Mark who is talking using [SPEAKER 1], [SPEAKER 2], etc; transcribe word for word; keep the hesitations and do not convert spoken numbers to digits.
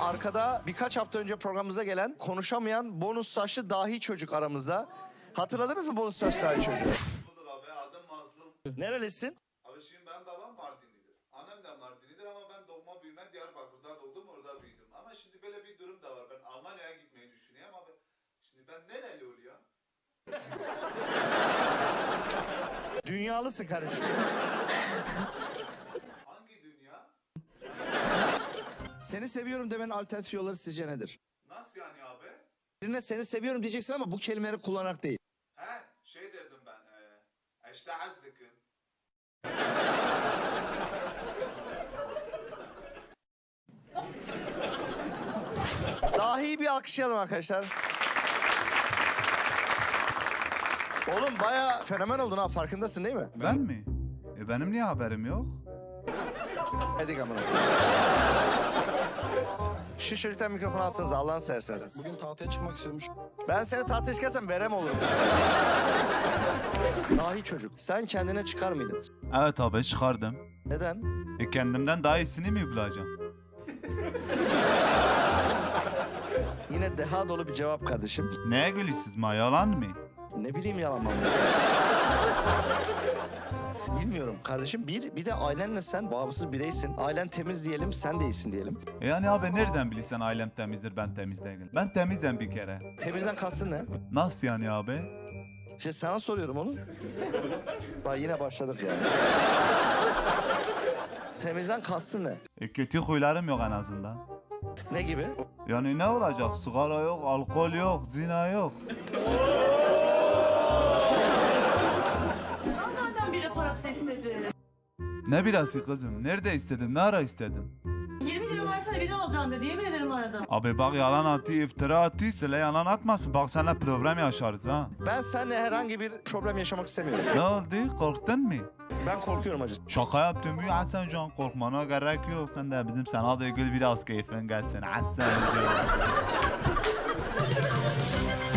[SPEAKER 1] arkada birkaç hafta önce programımıza gelen konuşamayan bonus saçlı dahi çocuk aramızda. Hatırladınız mı bonus saçlı dahi çocuğu?
[SPEAKER 2] Bulduk abi, adım Mazlum.
[SPEAKER 1] Nerelisin?
[SPEAKER 2] Abi şimdi ben babam Mardinlidir. Annem de Mardinlidir ama ben doğma büyüme Diyarbakır'da doğdum, orada büyüdüm. Ama şimdi böyle bir durum da var. Ben Almanya'ya gitmeyi düşünüyorum abi. Şimdi ben nereli oluyor?
[SPEAKER 1] Dünyalısın kardeşim.
[SPEAKER 2] Hangi dünya?
[SPEAKER 1] Seni seviyorum demenin alternatif yolları sizce nedir?
[SPEAKER 2] Nasıl yani abi?
[SPEAKER 1] Birine seni seviyorum diyeceksin ama bu kelimeleri kullanarak değil.
[SPEAKER 2] He, şey derdim ben. E, işte azdıkım.
[SPEAKER 1] Dahi bir alkışlayalım arkadaşlar. Oğlum bayağı fenomen oldun ha, farkındasın değil mi?
[SPEAKER 3] Ben mi? E benim niye haberim yok?
[SPEAKER 1] Hadi amına. Şu çocuktan mikrofonu alsanız Allah'ını severseniz.
[SPEAKER 4] Bugün tahtaya çıkmak istiyormuş.
[SPEAKER 1] Ben seni tahtaya çıkarsam verem olurum. Dahi çocuk. Sen kendine çıkar mıydın?
[SPEAKER 3] Evet abi çıkardım.
[SPEAKER 1] Neden?
[SPEAKER 3] E kendimden daha iyisini mi bulacağım?
[SPEAKER 1] Yine deha dolu bir cevap kardeşim.
[SPEAKER 3] Neye gülüyorsunuz ma, yalan mı?
[SPEAKER 1] Ne bileyim yalan mı? Bilmiyorum kardeşim. Bir, bir de ailenle sen bağımsız bireysin. Ailen temiz diyelim, sen de iyisin diyelim.
[SPEAKER 3] E yani abi nereden bilirsen ailem temizdir, ben temiz değilim. Ben temizim bir kere.
[SPEAKER 1] Temizden kastın ne?
[SPEAKER 3] Nasıl yani abi?
[SPEAKER 1] İşte sana soruyorum onu. Bak yine başladık ya. Temizden kastın ne?
[SPEAKER 3] E kötü huylarım yok en azından.
[SPEAKER 1] Ne gibi?
[SPEAKER 3] Yani ne olacak? Sigara yok, alkol yok, zina yok.
[SPEAKER 5] Nereden biri parası istedi?
[SPEAKER 3] Ne birası kızım? Nerede istedin? Ne ara istedin?
[SPEAKER 5] yirmi lira versene biri alacağım dedi. Yemin ederim aradım.
[SPEAKER 3] Abi bak yalan atı, iftira atı, söyle yalan atmasın. Bak seninle problem yaşarız ha.
[SPEAKER 1] Ben seninle herhangi bir problem yaşamak istemiyorum.
[SPEAKER 3] Ne oldu? Korktun mu?
[SPEAKER 1] Ben korkuyorum acı.
[SPEAKER 3] Şaka yaptım ya Hasan Can, korkmana gerek yok. Sen de bizim sana da gül biraz keyfin gelsin Hasan Can.